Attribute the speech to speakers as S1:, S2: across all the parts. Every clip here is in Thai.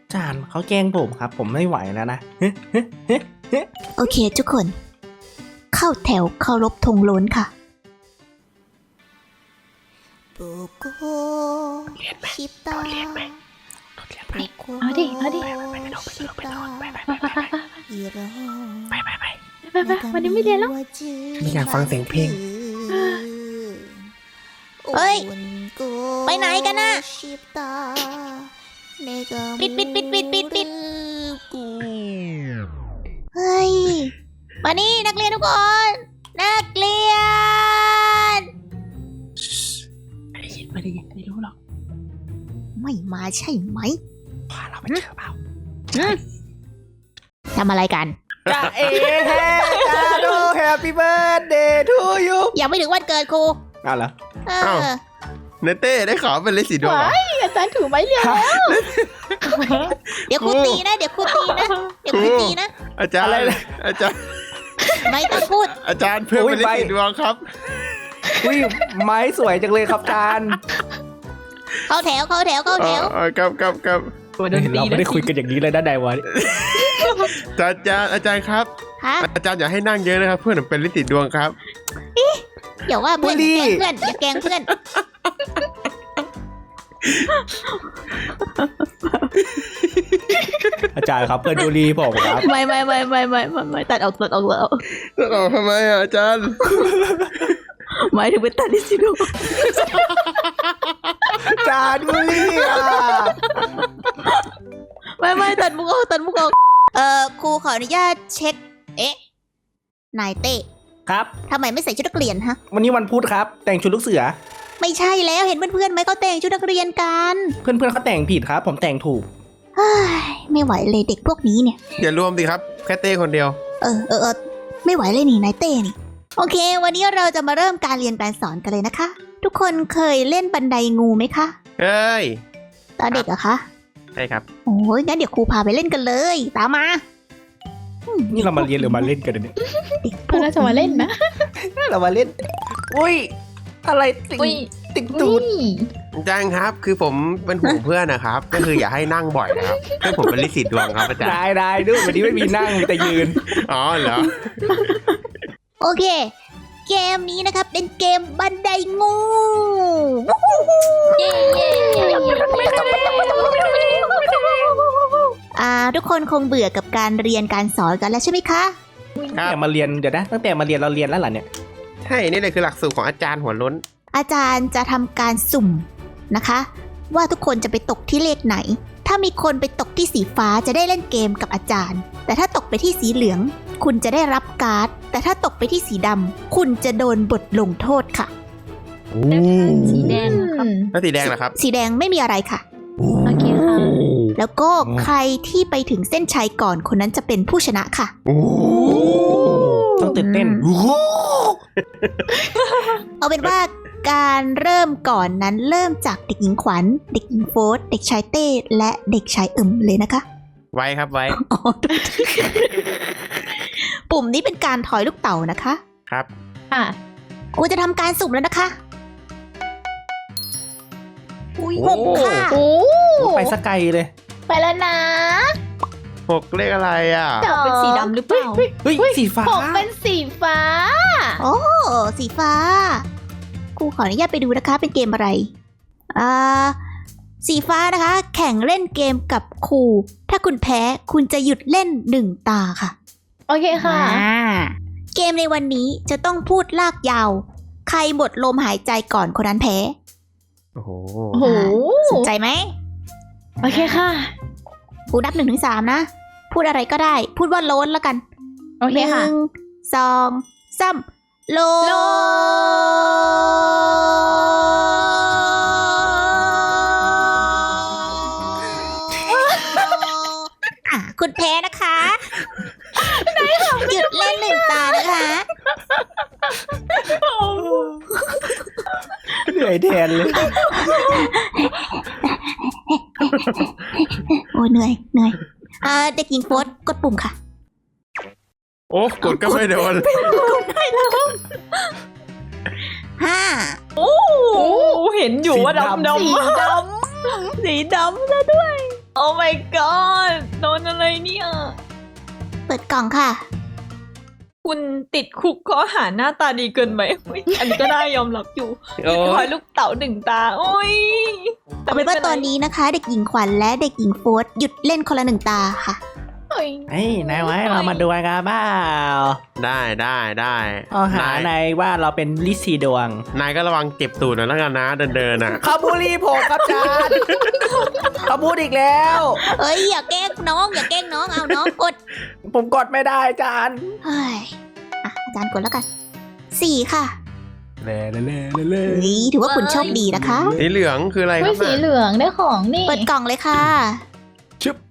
S1: จานเขาแกล้งผมครับ ผมไม่ไหวแล้วนะ
S2: โอเคทุกคน เข้าแถวเคารพธงโล้นค่ะเรียนไหมเรียนไหม
S3: เอาดิไปวันนี้ไม่เรียนแล้ว
S4: ไม่อยากฟังเสียงเพลง
S2: เฮ้ย ไปไหนกันน่ะ ปิดเฮ้ย มานี่นักเรียนทุกคน นักเรียน
S1: ไม่ได้ยินไม่รู้หรอก
S2: ไม่มาใช่ไหม
S1: พาเราไปเจอเปล่า
S2: ทำอะไรกัน
S1: จ้าเอ๋จ้าดู Happy Birthday to you
S2: ยังไม่ถึงวันเกิดครู
S1: เอาเหรอ
S2: เอ
S4: อ้าว
S2: อ
S4: เนเต้ได้ขอเป็นฤทธิ์สีดวงเหรอ
S3: อาจารย์ถือไม้เรียนแล้ว
S2: เดี๋ยวครูตีนะ เดี๋ยวครูตีนะ
S4: อาจารย์
S1: อะไรนะ
S4: อาจารย์
S2: ไม่ต้องพูด
S4: อาจารย์เพิ่มเป็นฤทธิ์สีดวงครับ
S1: อุ้ยไม้สวยจังเลยครับจาน
S2: เข้าแถว
S4: ครับ
S1: เราไม่ได้คุยกันอย่างนี้เลยนะไดวะ
S4: อาจารย์ครับ
S2: ฮะ
S4: อาจารย์อย่าให้นั่งเยอะนะครับ เพื่อนผมเป็นฤทธิ์สีดวงครับ
S2: อย่าว่าเพื่อนอย่าแกล้งเพื่อน
S1: อาจารย์ครับเพื่อนดูรีผมครับ
S3: ไม่ตัดออกแล้ว
S4: แล้วทำไมอ่ะอาจารย์
S3: หมายถึงเป็นตัดดิสิโด
S1: จานดูรีอ่ะ
S3: ไม่ตัดมุกออก
S2: ครูขออนุญาตเช็ค นายเต้
S1: ครับ
S2: ทำไมไม่ใส่ชุดนักเรียนฮะ
S1: วันนี้วันพุธครับ แต่งชุดลูกเสือ
S2: ไม่ใช่แล้วเห็นเพื่อนๆไหมเขาแต่งชุดนักเรียนกัน
S1: เพื่อนๆเขาแต่งผิดครับ ผมแต่งถูก
S2: เฮ้ยไม่ไหวเลยเด็กพวกนี้เนี่ย
S4: อย่ารวมสิครับแค่เต้คนเดียว
S2: ไม่ไหวเลยนี่นายเต้นี่ โอเค วันนี้เราจะมาเริ่มการเรียนการสอนกันเลยนะคะ ทุกคนเคยเล่นบันไดงูไหมคะ
S4: เฮ้ย
S2: ตอนเด็กเหรอคะ
S4: ใช่ครับ
S2: โอ้ยงั้นเดี๋ยวครูพาไปเล่นกันเลย ตามมา
S1: นี่เรามาเรียนหรือมาเล่นกันเนี่ย
S2: เด็กพ
S3: ก็
S2: วก
S3: น่าจะมาเล่นนะ
S1: เรามาเล่น อุ้ย อะไรติด
S3: อุ้ย
S1: ติดตูด
S4: อาจารย์ครับ คือผมเป็นห่วงเพื่อนนะครับ ก็คืออย่าให้นั่งบ่อยนะครับเพื่อนผมเป็นฤทธิ์สีดวงครับอาจารย์
S1: ได้ดูวันนี้ไม่มีนั่งมีแต่ยืน
S4: อ๋อเหรอ
S2: โอเค เกมนี้นะครับเป็นเกมบันไดงู
S3: เย้
S2: ทุกคนคงเบื่อกับการเรียนการสอนกันแล้วใช่ไหมคะ
S4: ครับ
S1: แต่มาเรียนเดี๋ยวนะตั้งแต่มาเรียนเราเรียนแล้วเหรอเนี่ย
S4: ใช่ นี่เลยคือหลักสูตรของอาจารย์หัวล้น
S2: อาจารย์จะทำการสุ่มนะคะ ว่าทุกคนจะไปตกที่เลขไหน ถ้ามีคนไปตกที่สีฟ้าจะได้เล่นเกมกับอาจารย์ แต่ถ้าตกไปที่สีเหลือง คุณจะได้รับการ์ด แต่ถ้าตกไปที่สีดำคุณจะโดนบทลงโทษค่ะ
S3: สีแดงครับ
S4: แล้วสีแดงเหรอครับ
S2: สีแดงไม่มีอะไรค่ะ
S3: โอเคค่ะ
S2: แล้วก็ใครที่ไปถึงเส้นชัยก่อนคนนั้นจะเป็นผู้ชนะค่ะ
S1: ต้องตื่นเต้น
S2: เอาเป็นว่าการเริ่มก่อนนั้นเริ่มจากเด็กหญิงขวัญ เด็กหญิงโฟสเด็กชายเต้ และเด็กชายเลยนะคะ
S4: ไว้ครับไว้
S2: อ๋อ ปุ่มนี้เป็นการถอยลูกเต่านะคะ
S4: ครับ
S3: ค่ะ
S2: ครูจะทำการสุ่มแล้วนะคะอุ้ย
S1: โอ้
S2: หกค่ะ
S3: โอ้
S1: ไปสกไกลเลย
S3: ไปแล้วนะ
S4: 6 เลขอะไรอ่ะ
S3: จะเป็นสีดำหรือเปล่า
S1: เฮ้ย สีฟ้า
S3: ผมเป็นสีฟ้า
S2: โอ้สีฟ้าครูขออนุญาตไปดูนะคะ เป็นเกมอะไรสีฟ้านะคะ แข่งเล่นเกมกับครูถ้าคุณแพ้คุณจะหยุดเล่น1 ตาค่ะ
S3: โอเคค่ะ
S2: เกมในวันนี้จะต้องพูดลากยาว ใครหมดลมหายใจก่อนคนนั้นแพ้
S4: โอ้โห
S3: โอ้โห
S2: สนใจไหม
S3: โอเคค่ะ
S2: ครูนับ1 ถึง 3นะพูดอะไรก็ได้ พูดว่าโล้นแล้วกัน
S3: โอเคค่ะ
S2: 1 2 3โล้น
S3: โล้
S2: คุณแพ้นะคะหยุดเล่น1 ตานะคะ
S1: เหนื่อยแทนเลย
S2: โอ้เหนื่อยเด็กหญิงโฟสกดปุ่มค่ะ
S4: โอ้กดก็ไม่โดน
S2: 5
S3: โอ้เห็นอยู่ว่าดำ
S1: สีดำ
S3: สีดำซะด้วย
S2: โอ
S5: โอ้ my god โดนอะไรเนี่ย
S2: เปิดกล่องค่ะ
S5: คุณติดคุกข้อหาหน้าตาดีเกินไปอุ๊ยอันนี้ก็ได้ยอมรับอยู่
S4: โอ้
S5: คอยลูกเต๋าหนึ่งตา โอ้ย
S2: เอาเป็นว่าตอนนี้นะคะ เด็กหญิงขวัญและเด็กหญิงโฟร์หยุดเล่นคนละหนึ่งตาค่ะ
S5: โอ้ย
S1: เฮ้ยนายไว้เรามาดูกันบ้า
S4: ได้ได้
S1: เอาหานายว่าเราเป็นลิซีดวง
S4: นายก็ระวังเจ็บตูดหน่อยแล้วกันนะเดินอ่ะ
S1: เขาบูลลี่ผมครับจานเขาพูดอีกแล้ว
S2: เอ้ยอย่าแกล้งน้องอย่าแกล้งน้องเอาน้องกด
S1: ผมกดไม่ได้จาน
S2: เฮ้ยอ่ะอาจารย์กดแล้วกัน4ค่ะ
S1: เล่เล่เล่เล่
S2: เฮ้ยถือว่าคุณโชคดีนะคะ
S4: สีเหลืองคืออะไรค
S3: ไม่
S4: รับ
S3: สี
S4: น่ะ
S3: เหลืองได้ของนี่
S2: เปิดกล่องเลยค่ะ
S1: ชึบ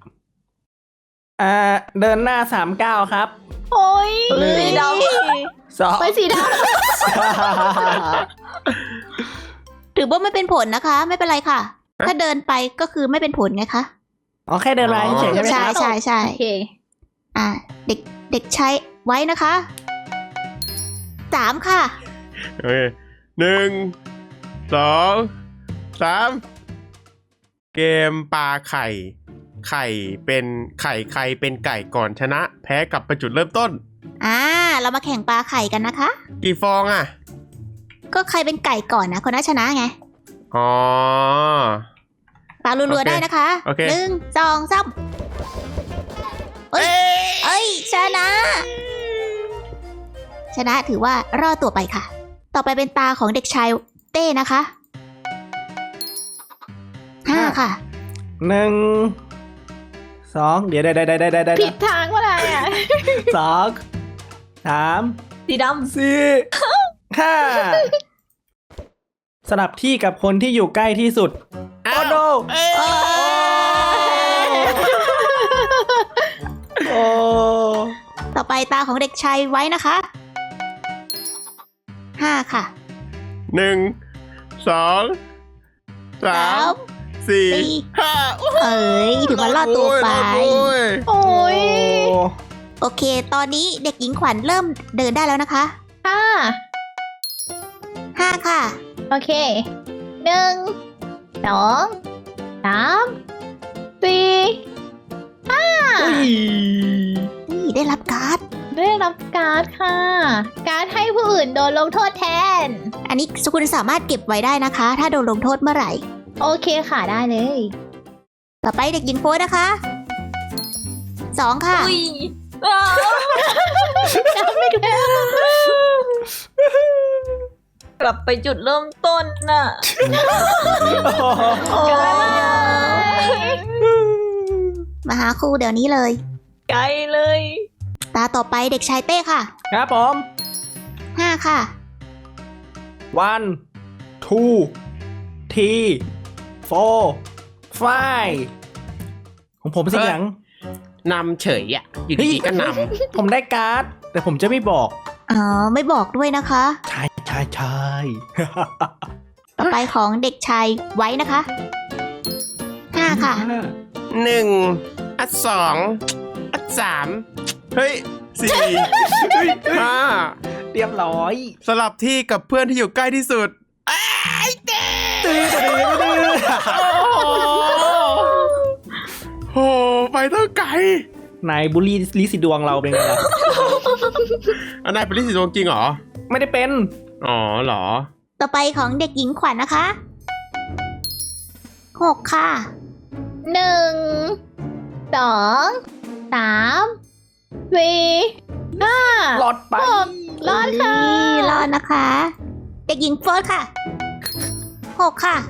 S1: เดินหน้า39ครับ
S3: โอ้ย
S1: หนึ่ง
S5: สีด
S1: 2
S3: ไปสีด
S2: ถือว่าไม่เป็นผลนะคะ ไม่เป็นไรค่ะ ถ้าเดินไปก็คือไม่เป็นผลไงคะ
S1: อ๋อแค่เดินมาเฉยๆใช่ไหม
S2: ใช่
S1: ครับ
S2: ใช่ใช่
S3: ำโอเค
S2: อ่ะเด็กใช้ไว้นะคะ3ค่ะ
S4: โอเค1 2 3เกมปลาไข่ ไข่เป็นไข่ใครเป็นไก่ก่อนชนะ แพ้กลับไปจุดเริ่มต้น
S2: เรามาแข่งปลาไข่กันนะคะ
S4: กี่ฟองอ่ะ
S2: ก็ใครเป็นไก่ก่อนนะคนนั้นชนะไง
S4: อ๋อ
S2: ปลารัว
S4: โอเค
S2: ๆได้นะคะ
S4: โอเค
S2: 1 2 3เอ้ยชนะ ชนะถือว่ารอดตัวไปค่ะ ต่อไปเป็นตาของเด็กชายเต้นะคะ5ค่ะ
S1: 1 2เดี๋ยวได้
S3: ผิดทางว่าอะไรอ่ะ
S1: 2 3
S5: สีด
S1: 4 5สลับที่กับคนที่อยู่ใกล้ที่สุด โอ้โนโอ้
S2: ต่อไปตาของเด็กชายไว้นะคะ5ค่ะ
S4: 1 2 3 4 5
S2: เอ้ยถือว่ารอดตัวไป
S3: โอ้ย
S2: โอเค ตอนนี้เด็กหญิงขวัญเริ่มเดินได้แล้วนะคะ
S3: ค่ะ
S2: 5ค่ะ
S3: โอเค1 2 3 4
S2: นี่ได้รับการ์ด
S3: ได้รับการ์ดค่ะ การ์ดให้ผู้อื่นโดนลงโทษแทน
S2: อันนี้คุณสามารถเก็บไว้ได้นะคะ ถ้าโดนลงโทษเมื่อไหร่
S3: โอเคค่ะได้เลย
S2: ต่อไปเด็กหญิงโฟร์นะคะ2ค่ะ
S5: ำอุ้ยอ้าวกลับไปจุดเริ่มต้นน่ะ
S2: โอ้มาหาครูเดี๋ยวนี้เลย
S5: ไกลเลย
S2: ตาต่อไปเด็กชายเต้ค่ะ
S1: ครับผม
S2: 5ค่ะ
S1: 1 2 3 4 5ของผมสิหยัง
S4: นำเฉยอ่ะ อยู่ดีๆก็น
S1: ผมได้การ์ด แต่ผมจะไม่บอก
S2: อ๋อ ไม่บอกด้วยนะคะ
S1: ใช่
S2: ต่อไปของเด็กชายไว้นะคะ5ค่ะ
S4: ำ1 2 3 เฮ้ย 4 5
S1: เรียบร้อย
S4: สลับที่กับเพื่อนที่อยู่ใกล้ที่สุด
S1: ตื้อ
S4: โอ้ไปตั้งไกล
S1: นายบุลลี่ลิสิดวงเราเป็นไงล่ะ
S4: อันนายเป็นลิสิดวงจริงเหรอ
S1: ไม่ได้เป็น
S4: อ๋อเหรอ
S2: ต่อไปของเด็กหญิงขวัญนะคะ6ค่ะ
S3: 1 2 3 4 5
S1: รอดไป
S3: รอดค่ะ
S2: นี่รอดนะคะ เด็กหญิงโฟร์ค่ะ6ค่ะ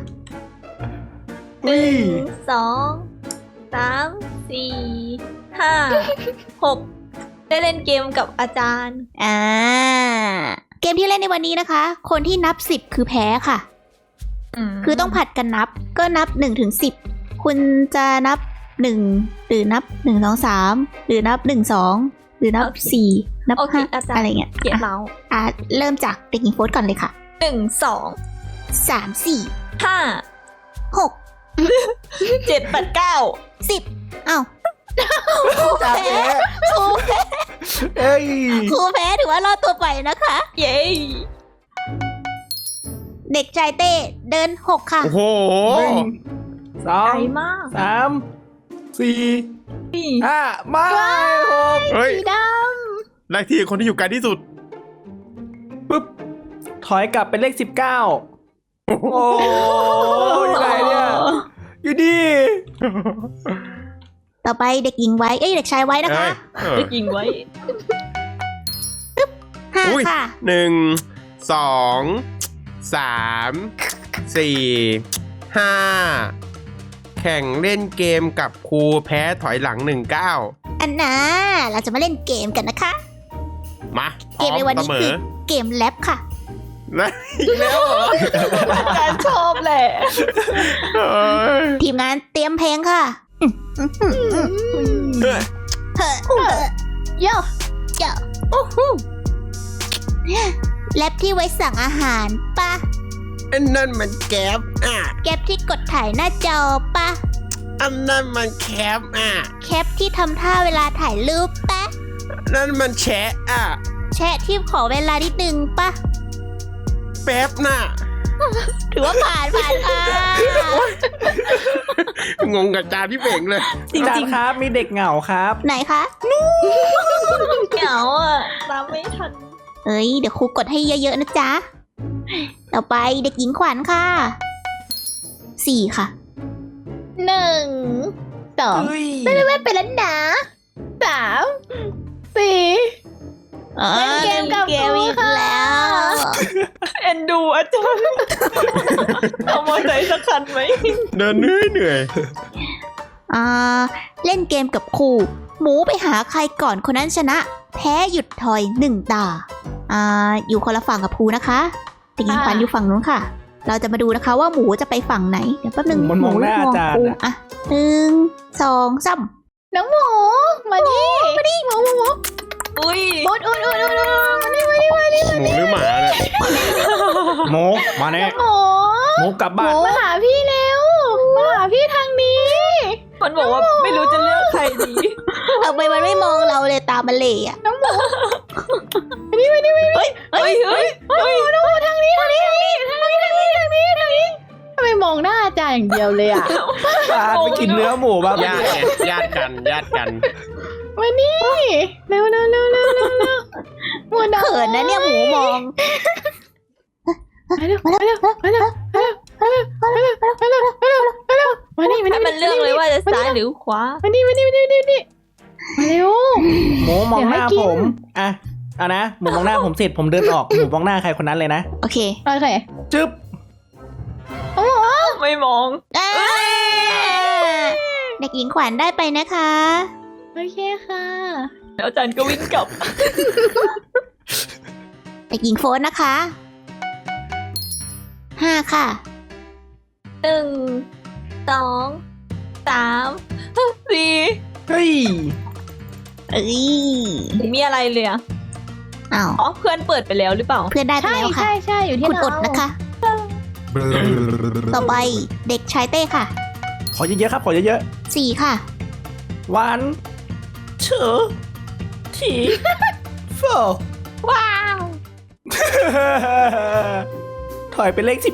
S5: 1 2 3 4 5 6 ได้เล่นเกมกับอาจารย์
S2: เกมที่เล่นในวันนี้นะคะ คนที่นับ10คือแพ้ค่ะ คือต้องผัดกันนับ ก็นับ1ถึง10คุณจะนับ1หรือนับ1 2 3หรือนับ1 2หรือนับ
S5: โอเค
S2: 4นับ
S5: โอเคอาจารย์
S2: 5อะไรเงี้ย
S5: เกลียดเรา
S2: เริ่มจากเด็กหญิงโฟร์ก่อนเลยค่ะ
S5: 1 2
S2: 3 4
S5: 5
S2: 6
S5: 7 8 9
S2: 10อ้าว
S1: จ่าแพ้เอ้ย
S2: ครูแพ้ถือว่ารอดตัวไปนะคะ
S5: เย้
S2: เด็กชายเต้เดิน6ค่ะ
S4: โอ้โห
S1: 1
S5: ไกล
S1: 2
S5: มาก
S1: 3 4 5ไม่6
S4: เฮ้ย
S3: สีด
S4: เลขที่คนที่อยู่ไกลที่สุด
S1: ปึ๊บถอยกลับเป็นเลข 19 โอ้ยยังไงเนี่ยอยู่ดี
S2: ต่อไปเด็กหญิงไว้เอ้ยเด็กชายไว้นะคะ
S5: ได้ยิงไว้
S2: ห้า
S4: อุ้ย
S2: ค่ะ
S4: 1 2 3 4 5 แข่งเล่นเกมกับครูแพ้ถอยหลัง 19
S2: อันน่าเราจะมาเล่นเกมกันนะคะ
S4: มาพ
S2: เก
S4: ร้อ
S2: ม
S4: ม
S2: ในวัน
S4: เส
S2: นี้
S4: ม
S2: คือ อเกมแลบค่ะ
S4: แล้วอีกแล้วเหรอ
S5: อาจารย์ชอบแหละ
S4: เอ้ย
S2: ทีมงานเตรียมเพลงค่ะ
S4: เฮ้ย
S2: เฮ้อ
S3: ำโย่
S2: เจ้าแลบที่ไว้สั่งอาหารปะ
S4: อันนั้นมันแก๊ป
S2: แก๊ปที่กดถ่ายหน้าจอปะ
S4: อันนั้นมันแคป
S2: แคปที่ทำท่าเวลาถ่ายรูปปะ
S4: นั่นมันแชะ
S2: แชะที่ขอเวลานิดนึงปะ
S4: แป๊บน่ะ
S2: ถือว่าผ่านค่ะ
S4: งงกับจานพี่เป่งเลย
S1: อาจารย์ครับมีเด็กเหงาครับ
S2: ไหนคะ
S5: เหงาอ่ะตามไม่ทัน
S2: เอ้ยเดี๋ยวครูกดให้เยอะๆนะจ๊ะ ต่อไปเด็กหญิงขวัญค่ะ 4 ค่ะ
S3: 1 2
S1: เฮ้ย
S3: ไม่เป็นแล้วนะ3 4 เล่นเกมกับ
S2: เกมอีก
S3: ครูค่ะ
S2: แล้ว
S5: เอ็นดูอาจารย์เอามอเตอร์ไซค์สักคันไหม
S4: เดินเหนื่อย
S2: เล่นเกมกับครูหมูไปหาใครก่อนคนนั้นชนะ แพ้หยุดถอย1 ตา อยู่คนละฝั่งกับครูนะคะเด็กหญิงขวัญอยู่ฝั่งนู้นค่ะ เราจะมาดูนะคะว่าหมูจะไปฝั่งไหน เดี๋ยวแป๊บนึง
S1: มันมองหน้าอาจารย์
S2: ครู
S1: อะ
S2: อ่ะ1 2 3
S3: น้องหมูมาดิหมู
S5: อุ้ย
S3: อุดมาดิ
S4: หมูหรือหมาเนี่ย
S1: โมมาแน่
S3: หมู
S1: โมกลับ
S3: ห
S1: บ้าน
S3: มูมาหาพี่เร็วมาหาพี่ทางนี้
S5: มันบอกว่าไม่รู้จะเลือกใครดี
S2: ทำไมมันไม่มองเราเลยตามันเหล่อะ
S5: เฮ้ยเฮ้ย
S3: น้องหมูทางนี้ทางนี้ทำไมมองหน้าอาจารย์อย่างเดียวเลยอ่ะ
S1: อาจารย์ไปกินเนื้อหมูบ้าง
S4: ญาติไงญาติกัน
S3: มานี่เร็วหมูดำ
S2: เขินนะเนี่ยหมูมอง
S3: มานี่
S5: ให้มันเลือกเลยว่าจะซ้ายหรือขวา
S3: มานี่มาเร็ว
S1: หมูมองหน้า
S3: เดี๋ยวให้กิน
S1: ผมอ่ะนะหมูมองหน้าผมเสร็จผมเดินออกหมูมองหน้าใครคนนั้นเลยนะ
S2: โอเค
S3: โอเค
S1: จึ๊บ
S5: ไม่มอง
S2: เด็กหญิงขวัญได้ไปนะคะ
S3: โอเคค่ะ
S5: แล้วอาจารย์ก็วิ่งกลับ
S2: เด็กหญิงโฟนนะคะ 5 ค่ะ
S5: 1 2 3 4
S1: เฮ้ย
S2: เอ้ย
S5: ไม่มีอะไรเลยอะ
S2: อ้าว
S5: อ๋อเพื่อนเปิดไปแล้วหรือเปล่า
S2: เพื่อนได้ไป
S3: ใช่
S2: แล้วค่ะ
S3: ใช่อยู่ที่
S2: คุณอ
S3: เรา
S2: ดนะคะ ต่อไปเด็กชายเต้ค่ะ
S1: ขอเยอะๆครับขอเยอะ
S2: 4 ค่ะ
S1: ๆวันเชอทีโฟ
S5: ว้าว
S1: ถอยเป็นเลข 11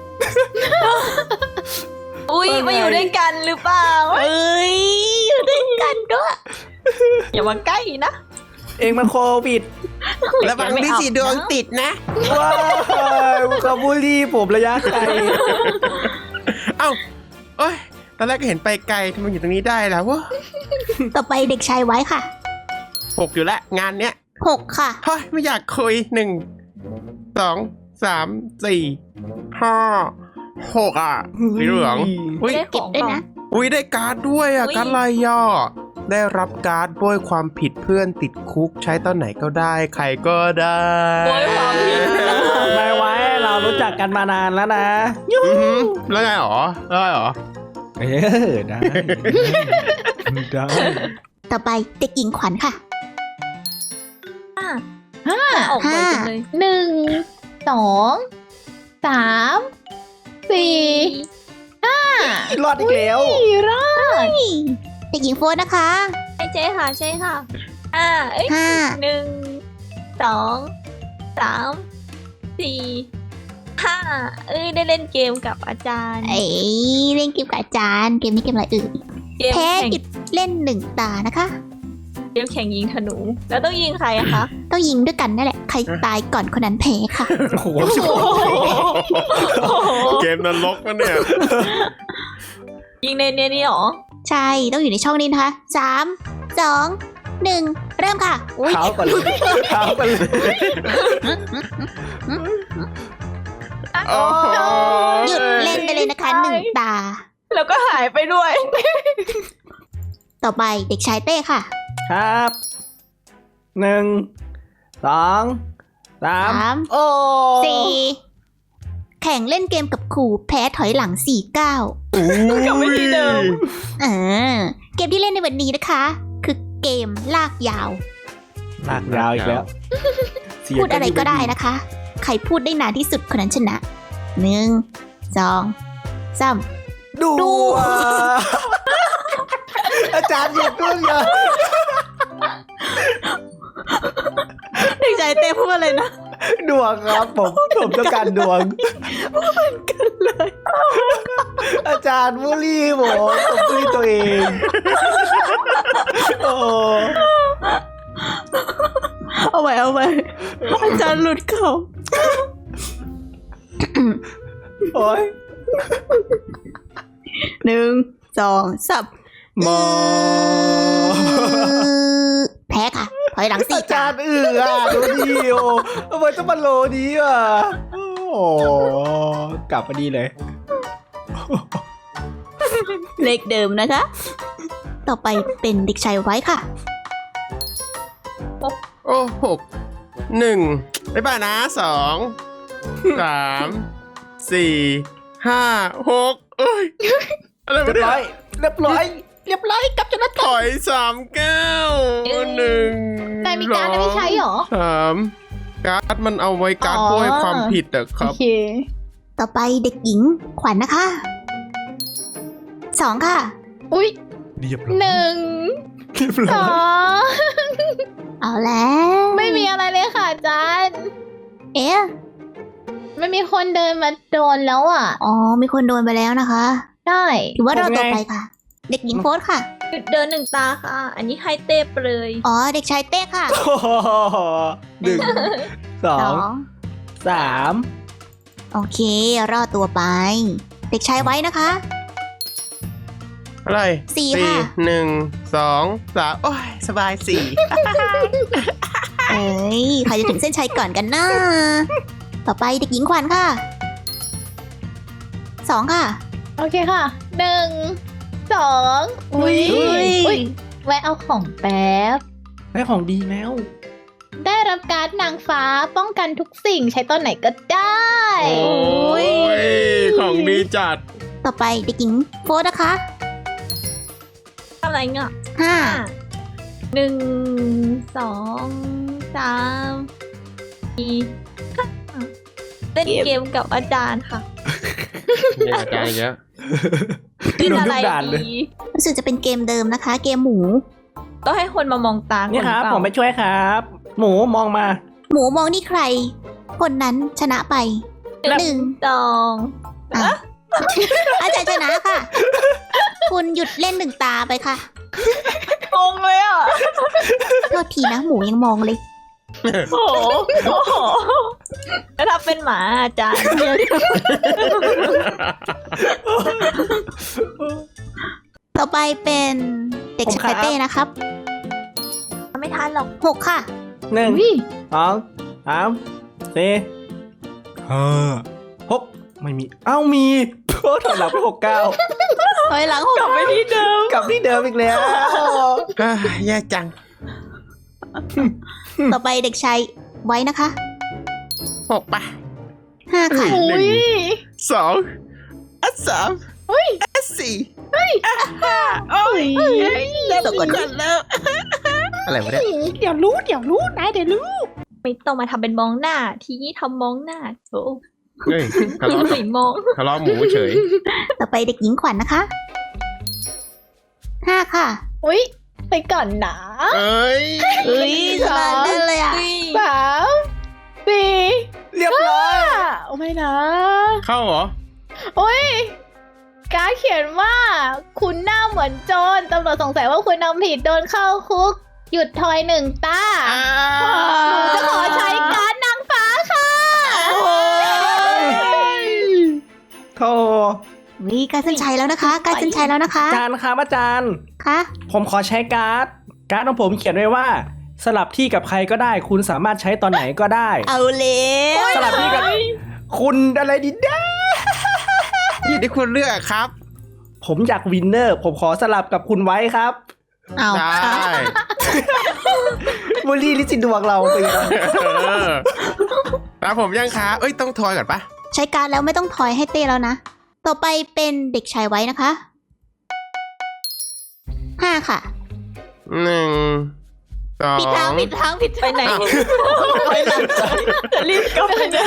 S5: อุ้ยมาอยู่ด้วยกันหรือเปล่า
S2: เอ้ย อยู่ด้วยกันด้วย
S5: อย่ามาใกล้นะ
S1: เองมันโควิด
S4: ระวังที่สีดวงติดนะ
S1: ว้ายขบูลลี่ผมระยะไกล
S4: เอ้าเอ้ยตอนแรกก็เห็นไปไกลทำไมอยู่ตรงนี้ได้แล้ววะ
S2: ต่อไปเด็กชายไว้ค่ะ
S4: 6อยู่แล้วงานเนี้ย
S2: 6 ค่ะ
S4: เฮ้ยไม่อยากคุย1 2 3 4 5 6สีเหลืองอุ้ย
S5: ได้
S2: เก็บด้วยนะ
S4: อุ้ยได้การ์ดด้วยการ์ดลายย่อได้รับการ์ดโบยความผิดเพื่อนติดคุกใช้ตอนไหนก็ได้ใครก็ได้
S5: โบยความผิด
S1: ไม่ไว้เรารู้จักกันมานานแล้วนะ
S4: อือหือแล้วไงหรอได้หรอ
S1: ได้ ได้
S2: ต่อไปเด็กหญิงขวัญค่ะ
S5: ออกไปจังเลย
S3: 1 2 3 4
S1: รอดอีกแล้ว
S3: รอด
S2: เด็กหญิงโฟนนะคะ
S5: ใช่ค่ะเอ้ย
S2: 5
S5: 1 2 3 4 5 เอ้ยได้เล่นเกมกับอาจารย์
S2: เอ้ยเล่นเกมกับอาจารย์ เกมนี้เกมอะไรเอ่ย
S5: เกม
S2: แพ้
S5: แข่ง
S2: หยุดเล่น1 ตานะคะ
S5: เกมแข่งยิงธนู แล้วต้องยิงใครอะคะ
S2: ต้องยิงด้วยกันนั่นแหละ ใครตายก่อนคนนั้นแพ้ค่ะ
S1: โอ้โห
S4: เกมนรกวะเนี่ย
S5: ยิงในนี่หรอ
S2: ใช่ต้องอยู่ในช่องนี้นะคะ3 2 1 เริ่มค่ะอุ๊ย
S1: เท้ากันเลยเท้ากันเลย
S4: โอ้โห
S2: หยุดเล่นไปเลยนะคะ1 ตา
S5: แล้วก็หายไปด้วย
S2: ต่อไปเด็กชายเต้ค่ะ
S1: ครับ1 2 3 โอ้
S2: 4 แข่งเล่นเกมกับครูแพ้ถอยหลัง4 ก้าว
S5: กลับไปที่เดิม
S2: เกมที่เล่นในวันนี้นะคะ คือเกมลากยาว
S1: ลากยาวอีกแล้ว
S2: พูดอะไรก็ได้นะคะ ใครพูดได้นานที่สุดคนนั้นชนะ 1 2 3
S1: ดู
S2: ดู
S1: อาจารย์หยุดด้วยเหรอ
S2: เด็กชายเต้พูดอะไรนะ
S1: ดวงครับผมต้องการดวงเหมือนกันเลย อาจารย์บูลลี่ผมบูลลี่ตัวเองโอ้
S2: เอาไว้อาจารย์หลุดเขา
S1: โอ้ย
S2: 1 2 3
S1: มอ
S2: แพ้ค่ะ ถอยหลัง
S1: อา
S2: 4
S1: จารย์ดูดีโอทำไมต้องมาโลนี้อ่ะโอ้กลับมาดีเลย
S2: เลขเดิมนะคะ ต่อไปเป็นเด็กชายไว้ค่ะ
S4: โอ้6 1บ๊ายบายนะ2 3 4 5 6เอ้ยอะไร
S1: เรี
S4: วะ
S1: ยบ
S4: เนี่
S1: ร้อย
S4: ย
S1: เรียบร้อยกลับชนะ
S4: ถอย3 ก้าว1
S3: แต่มีการดไม่ใช้หรอ
S4: 3การ์ดมันเอาไว้การ์ด
S3: อ๋อ
S4: โวยความผิดอะค
S3: โอ
S4: รับ
S3: เค
S2: ต่อไปเด็กหญิงขวัญนะคะ 2 ค่ะ
S3: อุ๊ย
S1: เรียบร้อย
S3: 1
S1: เรียบร้อย
S3: 2
S2: เอาแล้ว
S3: ไม่มีอะไรเลยค่ะอาจารย์
S2: เอ๊ะ
S3: ไม่มีคนเดินมาโดนแล้วอ่ะ
S2: อ๋อ มีคนโดนไปแล้วนะคะ
S3: ได้
S2: ถือว่าเราต่อไปค่ะ เด็กหญิงโฟสค่ะ
S5: หยุดเดิน1 ตาค่ะ อันนี้ให้เต้ไปเลย
S2: อ๋อ เด็กชายเต้ค่ะ
S1: โอ้โห1 2
S2: 2
S1: 3
S2: โอเค รอดตัวไป เด็กชายไว้นะคะ
S4: อะไร
S2: 4 ค่ะ
S4: 1 2 3 โอ้ย สบาย
S2: เอ้ย ใครจะถึงเส้นชัยก่อนกันนะ ต่อไปเด็กหญิงขวัญค่ะ 2 ค่ะ
S3: โอเคค่ะ 1 2 อุ๊ย อุ๊ย แวะเอาของแป๊บ
S1: ได้ของดีแล้ว
S3: ได้รับการ์ดนางฟ้าป้องกันทุกสิ่งใช้ตอนไหนก็ได้
S4: 4 โอ้ย ของดีจัด
S2: ต่อไปเด็กหญิงโฟสนะคะ
S5: ทำอะไรเงี้ย
S2: 5
S5: 1 2 3 4 เล่นเกมกับอาจารย์ค่ะ
S4: นี่อาจารย์เยอะ
S5: เล่นอะไร
S1: โดนทุกด่านเลย
S5: ดี
S2: รู้สึกจะเป็นเกมเดิมนะคะ เกมหมู
S5: ก็ให้คนมามองตา
S1: นี่ครับ
S5: นเปล่า
S1: ผมไปช่วยครับ หมูมองมา
S2: หมูมองนี่ใคร คนนั้นชนะไป 1
S5: 2
S2: อ่ะ อาจารย์ชนะค่ะ คุณหยุดเล่น1 ตาไปค่ะ
S5: งงเลยอ่ะ
S2: โทษทีนะหมูยังมองเลย
S5: โอ้โหแล้วถ้าเป็นหมาอาจารย์
S2: ต่อไปเป็นเด็กชายเต้นะครับ
S5: ไม่ทันหรอก
S2: 6 ค่ะ
S1: 1
S3: อุ๊ย
S1: 2 3 4 5 6ไม่มี เอ้ามีโทษถอยหลังไป6 9
S2: ถอยหลัง
S5: กลับไปที่เดิม
S1: กลับที่เดิมอีกแล้ว
S4: แย่จัง
S2: ต่อไปเด็กชายไว้นะคะ
S4: 6 ป่ะ
S2: 5 ค่ะ
S3: อุ๊ย
S4: 2 3
S3: อุ๊ย
S4: 4
S3: อุ๊ย
S2: ตกก่อน
S4: อะไรวะเนี่ย
S3: เดี๋ยวรู้นายเดี๋ยวรู้
S5: ไม่ต้องมาทำเป็นมองหน้า ทีนี้ทำมองหน้าโถ
S4: เฮ้ยทะเลาะ
S5: ไม่มอง
S4: ทะเลาะหมูเฉย
S2: ต่อไปเด็กหญิงขวัญนะคะ 5 ค่ะ
S3: อุ๊ย ไปก่อนนะ
S4: เอ้ย
S2: เอ้ยสบายเล่นเลยอ่ะ
S3: 3 4
S1: เรียบร้อย
S3: โอ้ไม่นะ
S4: เข้าเหรอ
S3: โอ้ยการดเขียนว่า คุณหน้าเหมือนโจรตำรวจสงสัยว่าคุณทำผิดโดนเข้าคุก หยุดทอย1 ตาหนูจะขอใช้การดนางฟ้าค่ะ
S1: โธ่
S2: วิการเส้นชัยแล้วนะคะการเส้นชัยแล้วนะคะ
S1: อาจารย์ครับอาจารย์
S2: คะ
S1: ผมขอใช้การ์ดของผมเขียนไว้ว่า สลับที่กับใครก็ได้ คุณสามารถใช้ตอนไหนก็ได้
S2: เอาเลย
S1: สลับที่กับคุณอะไรดีนะ
S4: อยู่ที่คุณเลือกครับ
S1: ผมอยากวินเนอร์ ผมขอสลับกับคุณไว้ครับ
S2: เอา
S4: ได้
S1: บูลลี่ลิซิดวงเราไปแล้ว
S4: ตามผมยังคะเอ้ยต้องทอยก่อนปะ
S2: ใช้การดแล้วไม่ต้องถอยให้เต้แล้วนะ ต่อไปเป็นเด็กชายไว้นะคะ5 ค่ะ
S4: 1 2
S2: ผิดทางผิดทางผิด
S5: ไปไหนไปหลังจะรีบกลับไปไหน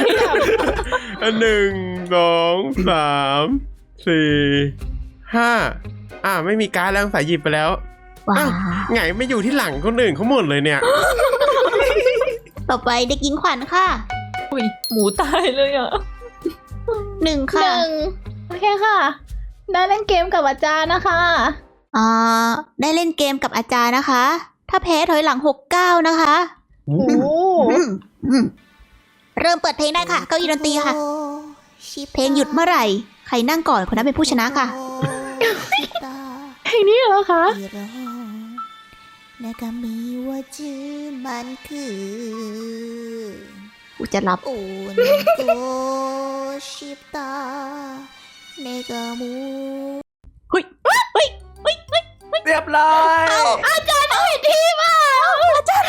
S4: 1 2 3 4 5ไม่มีการ์ดแล้วสายหยิบไปแล้ว
S2: ว้า
S4: อ้าว ไงไม่อยู่ที่หลังคนอื่นเขาหมดเลยเนี่ย
S2: ต่อไปเด็กหญิงขวัญค่ะ
S5: อุ้ยหมูตายเลยอ่ะ
S2: 1 ค่ะ
S3: 1 โอเคค่ะ ได้เล่นเกมกับอาจารย์นะคะ
S2: ได้เล่นเกมกับอาจารย์นะคะ ถ้าแพ้ถอยหลัง69นะคะ
S3: โอ้โห
S2: เริ่มเปิดเพลงได้ค่ะ เก้าอี้ดนตรีค่ะ เพลงหยุดเมื่อไหร่ ใครนั่งก่อนคนนั้นเป็นผู้ชนะค่ะ
S3: เพลงนี้เหรอคะ
S2: กูจะรับ เฮ้ย
S1: เรียบร้อย
S2: อาจารย์เอาเห็นทีมาอาจารย์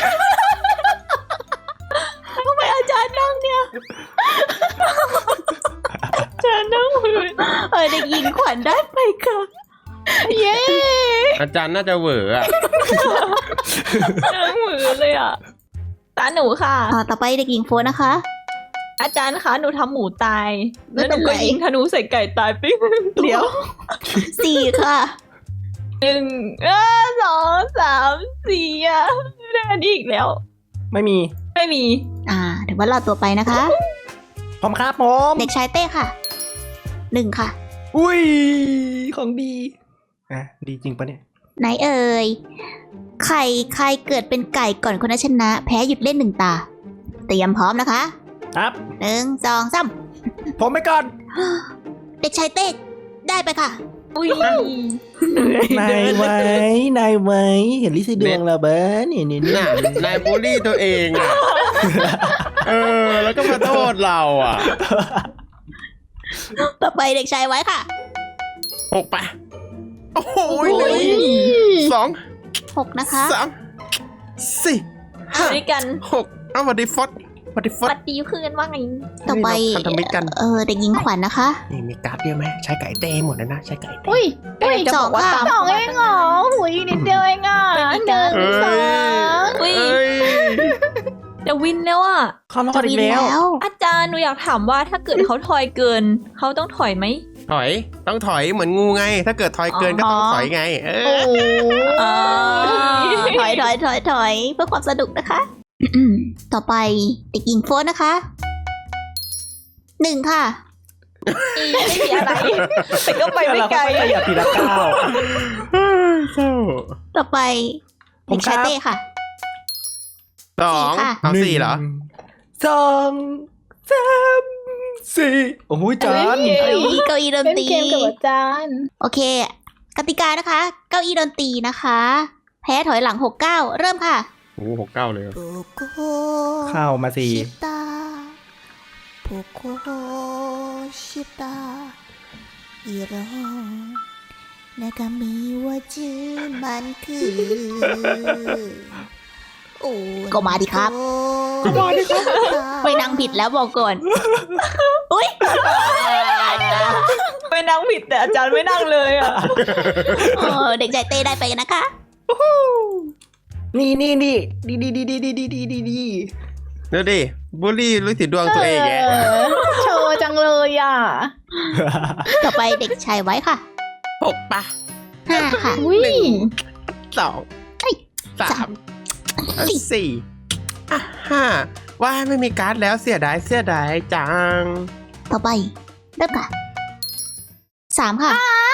S2: ทำไมอาจารย์นั่งเนี่ย อาจารย์นั่งเด็กหญิงขวัญได้ไปค่ะ
S3: เย้
S4: อาจารย์น่าจะเหวออะ
S5: นั่งมือเลยอ่ะตาหนูค่ะ
S2: ต่อไปเด็กหญิงโฟนนะคะ
S5: อาจารย์คะหนูทำหมูตาย
S2: ไม่
S5: แล้วห
S2: เป็
S5: นู
S2: นไร
S5: ก็ยิงธนูใส่ไก่ตายปิ๊ง
S2: เดี๋ยว 4 ค่ะ
S5: 1 2 3 4อ่ะไม่ได้อันนี้อีกแล้ว
S1: ไม่มี
S5: ไม่มี
S2: ถือว่ารอดตัวไปนะคะ
S1: ผมครับผม
S2: เด็กชายเต้ค่ะ 1 ค่ะ
S1: อุ้ย ของดีดีจริงปะเนี่ย
S2: ไหนเอ่ย ใครเกิดเป็นไก่ก่อนคนนั้นชนะ แพ้หยุดเล่น 1 ตา เตรียมพร้อมนะคะ
S1: ครับ
S2: 1 2 3
S1: ผมไปก่อน
S2: เด็กชายเต้ได้ไปค่ะ
S5: อุ้ย
S1: นายไว้นายไว้เห็นลิซิดวงเราเบ้อนี่
S4: น่ะนายบูลลี่ตัวเองอ่ะ แล้วก็มาโทษเราอ่ะ
S2: ต่อไปเด็กชายไว้ค่ะ
S4: 6 ปะ โอ้โห 1
S2: 6 นะคะ
S4: 2 3 4
S5: ด้วยกัน
S4: 6เอาวัดดีฟอสวัดดีฟอ
S5: ปั
S4: ส
S5: ดดีเพื่อนว่าไง
S2: ต่อไป
S4: พันธมิตรกัน
S2: เด็กหญิงขวัญนะคะ
S4: นี่มีการ์ดเยอะไหมใช้ไก่เต้หมดแล้วนะใช้ไก่เต้
S3: อุ้ย
S5: จะบอกว่า
S2: 2 ค่ะ
S5: ตาม
S3: 2 เองเหรอหุยนิดเดียวเองอ่ะ 1 2
S5: อุ้ย
S4: เอ้ย
S5: จะวินแล้วอ่ะ
S1: เขารอ
S2: จะ
S1: ดอี
S2: วิ
S1: ก
S2: น
S1: แล้ว
S2: แล้ว
S5: อาจารย์หนูอยากถามว่าถ้าเกิดเขาทอยเกิน เขาต้องถอยไหม
S4: ถอยต้องถอยเหมือนงูไง ถ้าเกิดถอยเกินก็ต้องถอยไง
S3: โอ้โห
S2: ถอยเพื่อความสนุกนะคะ ต่อไปเด็กหญิงโฟนนะคะ 1 ค่ะ
S5: ไม่มีอะไร แต่ก็ไปไม่ไกล
S1: เราก็ขยับทีละก้าว
S4: เศร้า
S2: ต่อไป
S1: ผม
S2: เด็กชาย
S1: ครับ
S2: เต้ค่ะ
S4: 2
S2: ค่ะ
S4: เอา4เหรอ
S1: 1 2 3 4โอ้โหจาน
S2: เก้าอี้ดน
S3: เล่น
S2: ตรี
S3: เกมกับอาจารย์
S2: โอเค กติกานะคะ เก้าอี้ดนตรีนะคะ แพ้ถอยหลัง69เริ่มค่ะ
S4: โอ้โห6-9เลย
S1: เข้ามาสิ
S2: ก็มาดิครับ ไม่นั่งผิดแล้วบอกก่อน อุ้ย
S5: ไปนั่งผิดแต่อาจารย์ไม่นั่งเลยอ่ะ
S2: เด็กชายเต้ได้ไปกันนะคะ
S1: นี่
S4: ดูดิบูลลี่รู้สิดวงตัวเองแก
S3: โชว์จังเลยอ่ะ
S2: ต่อไปเด็กชายไว้ค่ะ
S4: 6 ปะ
S2: 5 ค่ะ
S3: อุ้ย
S4: 2 3 4 5ว่าไม่มีการ์ดแล้วเสียดายจัง
S2: ต่อไปเริ่มค่ะ 3 ค่ะ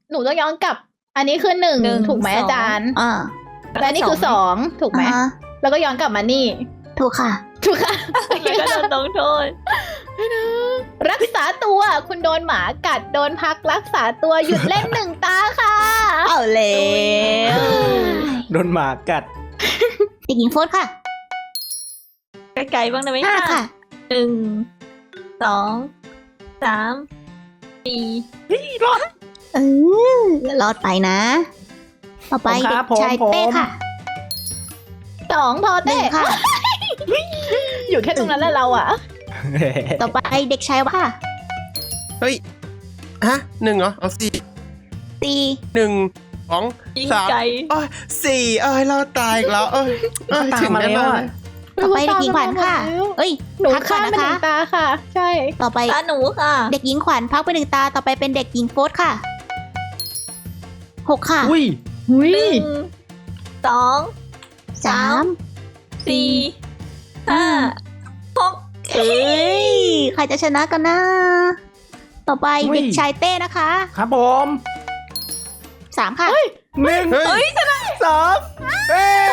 S3: หนูต้องย้อนกลับ อันนี้คือหนึ่ง
S5: หนึ่ง
S3: ถูกไหม
S5: สอง
S3: อาจารย์
S2: อ่า
S3: และนี่คือสองถูกไหม
S2: อ่า
S3: แล้วก็ย้อนกลับมานี่
S2: ถูกค่ะ
S3: ถูกค่ะ
S5: แล้วก็โดนลงโทษ
S3: รักษาตัวคุณโดนหมากัดโดนพักรักษาตัวหยุดเล่นหนึ่งตาค่ะ
S2: เอาแล้ว
S1: โดนหมากัด
S2: เด็กหญิงโฟสค่ะ
S5: ไกลๆบ้างได้ไหม
S2: ห้าค่ะ
S5: หนึ่งสองสามสี่
S2: เออรอดไปนะ ต่อไป
S1: ผมค
S2: เด็
S1: รับ
S2: กชาย
S1: ผม
S2: เต้ค่ะ
S3: สองพอ
S2: หนึ่
S3: เต้
S2: งค่ะ
S3: อยู่แค่ตรงนั้นแหละเราอะ
S2: ต่อไปเด็กชายว่า
S4: เฮ้ย ฮะหนึ่งเหรอ เอาสี่
S2: ตี
S4: หนึ่งสอง
S5: ยิง
S4: สาม
S5: ไกล
S4: โอ้ยสี่เราตายอีกแล้วถึงได้มา
S2: ต่อไปเด็กหญิงขวัญค่ะ เอ้ย
S3: หนู
S2: พักก่
S3: ข้า
S2: อน
S3: ม
S2: นะ
S3: ไปหนึ่
S2: คะ
S3: งตาค่ะ ใช่
S2: ต่อไป
S5: ตาหนูค่ะ
S2: เด็กหญิงขวัญพักไปหนึ่งตา ต่อไปเป็นเด็กหญิงโฟสค่ะหกค่ะ
S1: อุ้ย
S3: หุย
S5: หนึ่งสอง
S2: สาม
S5: สี่ห้าหก
S2: เอ้ยใครจะชนะกันนะ ต่อไป
S1: อุ้ย
S2: เด็กชายเต้นะคะ
S1: ครับผม
S2: สามค่ะ
S1: หนึ่ง
S4: เฮ้ย
S1: สองเอ้ย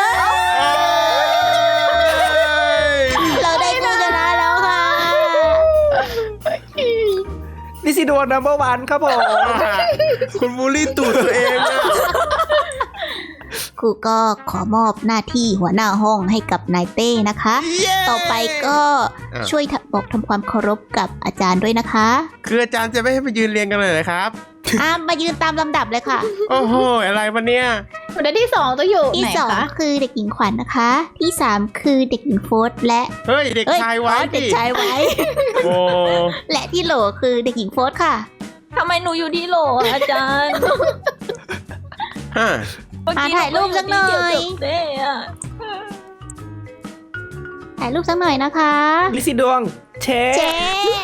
S2: เราได้ผู้ชนะแล้วค่ะ
S1: ลิซิดวงนัมเบอร์วันครับผม
S4: คุณบูลลี่ตูดตัวเองอะ
S2: ครูก็ขอมอบหน้าที่หัวหน้าห้องให้กับนายเต้นะคะ ต่อไปก็ช่วยบอกทำความเคารพกับอาจารย์ด้วยนะคะ
S4: คืออาจารย์จะไม่ให้ไปยืนเรียงกันเลยเหรอครับ
S2: มายืนตามลำดับเลยค่ะ
S4: โอ้โห อะไรวะเนี่ย
S3: หนูได้ที่สองต้องอยู่
S2: ที่
S3: ไหน
S2: สอง
S3: คะ
S2: คือเด็กหญิงขวัญนะคะ ที่สามคือเด็กหญิงโฟสและ
S4: เฮ้ย เด็กชายไว้
S2: เด็ก
S4: ดิ
S2: ชายไว้
S4: โอ้
S2: และที่โหลคือเด็กหญิงโฟสค่ะ
S5: ทำไมหนูอยู่ที่โหลอะอาจารย์
S4: ฮะ
S5: เมื่อกี้
S2: ถ่ายรูปสักหน่อย
S5: เกี่วกับเต้อะ
S2: ถ่ายรูปสักหน่อยนะคะ
S1: ลิซิดวงเช
S2: เจ๊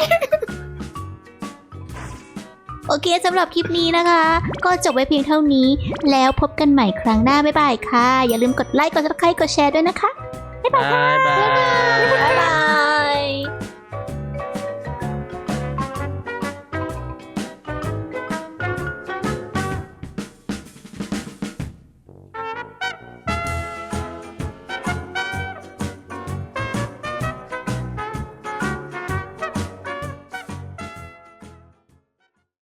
S2: โอเคสำหรับคลิปนี้นะคะ ก็จบไว้เพียงเท่านี้ แล้วพบกันใหม่ครั้งหน้าบ๊ายบายค่ะ อย่าลืมกดไลค์กดซับสไครต์กดแชร์ด้วยนะคะ
S4: บายบาย
S5: บ๊ายบาย